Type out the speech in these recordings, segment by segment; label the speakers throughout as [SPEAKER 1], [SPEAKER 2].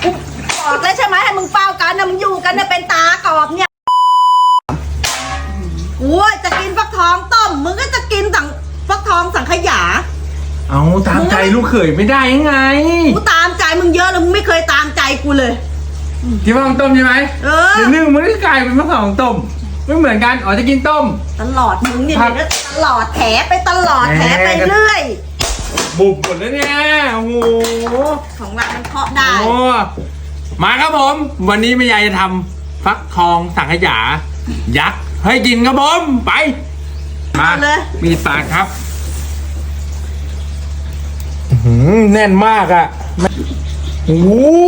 [SPEAKER 1] บอกแล้วใช่ไหมให้มึงเฝ้ากันนะมึงอยู่กันเนี่ยเป็นตากรอบเนี่ยโอ้ยจะกินฟักทองต้มมึงก็จะกินฟักทองสังขยา
[SPEAKER 2] เอาตามใจลูกเขยไม่ได้ยังไง
[SPEAKER 1] กูตามใจมึงเยอะแล้วมึงไม่เคยตามใจกูเลย
[SPEAKER 2] กินฟักทองต้มใช่ไหมเดี๋ยวนึ่งมันก็กลายเป็นฟักทองต้มไม่เหมือนกันอ๋อจะกินต้ม
[SPEAKER 1] ตลอดมึงเนี่ยตลอดแถไปตลอดแถไปเรื่อย
[SPEAKER 2] บุบหมดแล้วเนี่ยโอ้โห
[SPEAKER 1] ของเรามันเคาะได้
[SPEAKER 2] โอ้มาครับผมวันนี้แม่ยายจะทำฟักทองสังขยายักษ์ให้กินครับผมไปมาเลยมีปากครับแน่นมากอ่ะโอ้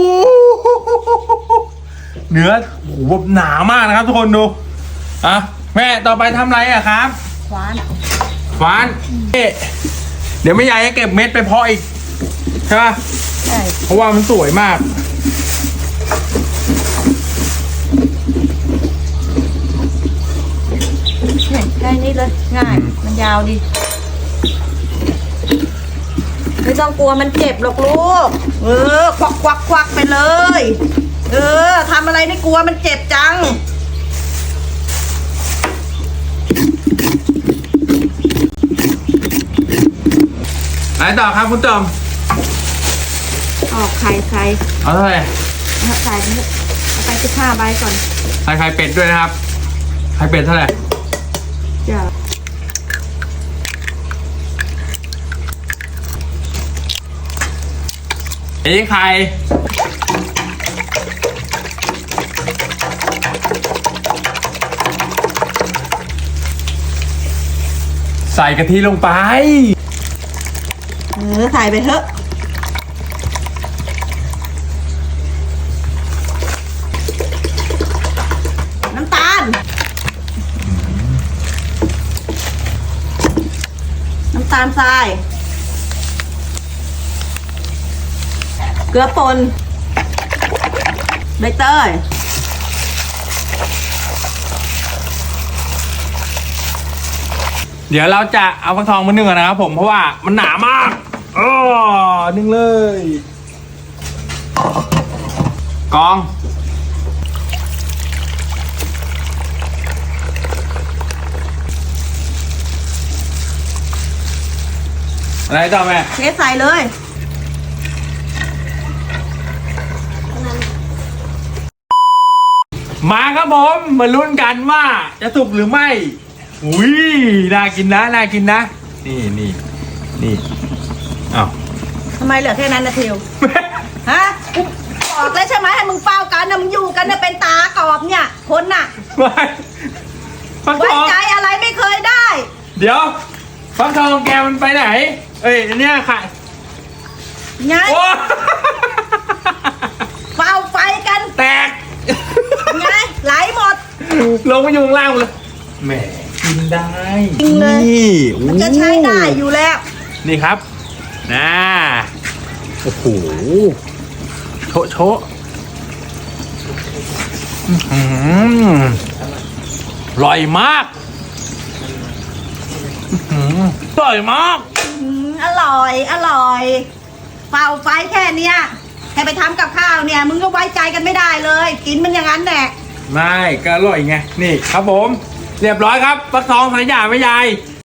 [SPEAKER 2] เนื้อโอ้โหหนามากนะครับทุกคนดูอ่ะแม่ต่อไปทำอะไรอ่ะครับควานเดี๋ยวแม่ยายจะเก็บเม็ดไปเพาะอีกใช่ป่ะใช่เพราะว่ามันสวยมาก
[SPEAKER 1] แค่นี้เลยง่ายมันยาวดีไม่ต้องกลัวมันเจ็บหรอกลูกควักไปเลยทำอะไรไม่กลัวมันเจ็บจัง
[SPEAKER 2] ไหนต่อครับคุณจอม
[SPEAKER 1] ออกไข่
[SPEAKER 2] เอาเท่าไหร่
[SPEAKER 1] ใส่เอาไป15 ใบก่อน
[SPEAKER 2] ใส่ไข่เป็ดด้วยนะครับไข่เป็ดเท่าไหร่
[SPEAKER 1] จ้ะ
[SPEAKER 2] ไข่ใส่กะทิลงไป
[SPEAKER 1] ใส่ไปเถอะน้ำตาลทรายเกลือป่นใบเตย
[SPEAKER 2] เดี๋ยวเราจะเอาฟักทองมานึ่งกันนะครับผมเพราะว่ามันหนามากนึ่งเลยกองอะไรต่อแม่
[SPEAKER 1] เทใส่เลย
[SPEAKER 2] มาครับผมมาลุ้นกันว่าจะสุกหรือไม่อุ้ยน่ากินนะนี่อ้าว
[SPEAKER 1] ทำไมเหลือแค่นั้นนะเทียวฮะบอกแล้วใช่ไหมให้มึงเฝ้ากันนะมึงอยู่กันเนี่ยเป็นตากรอบเนี่ยคนน่ะไว้ใจอะไรไม่เคยได้
[SPEAKER 2] เดี๋ยวฟักทองแกมันไปไหนเนี่ยค่ะ
[SPEAKER 1] ไงเฝ้าไฟกัน
[SPEAKER 2] แตก
[SPEAKER 1] ไงไหลหมด
[SPEAKER 2] ลงมาอยู่ข้างล่างเลยแหมกินได้
[SPEAKER 1] นี่มันจะใช้ได้อยู่แล้ว
[SPEAKER 2] นี่ครับโอ้โหโชะอร่อยมากอร่อยมาก
[SPEAKER 1] อร่อยเฝ้าไฟแค่เนี้ยให้ไปทำกับข้าวเนี่ยมึงก็ไว้ใจกันไม่ได้เลยกินมันอย่างนั้นแหละ
[SPEAKER 2] ไม่ก็อร่อยไงนี่ครับผมเรียบร้อยครับฟักทองสังขยาแม่ยาย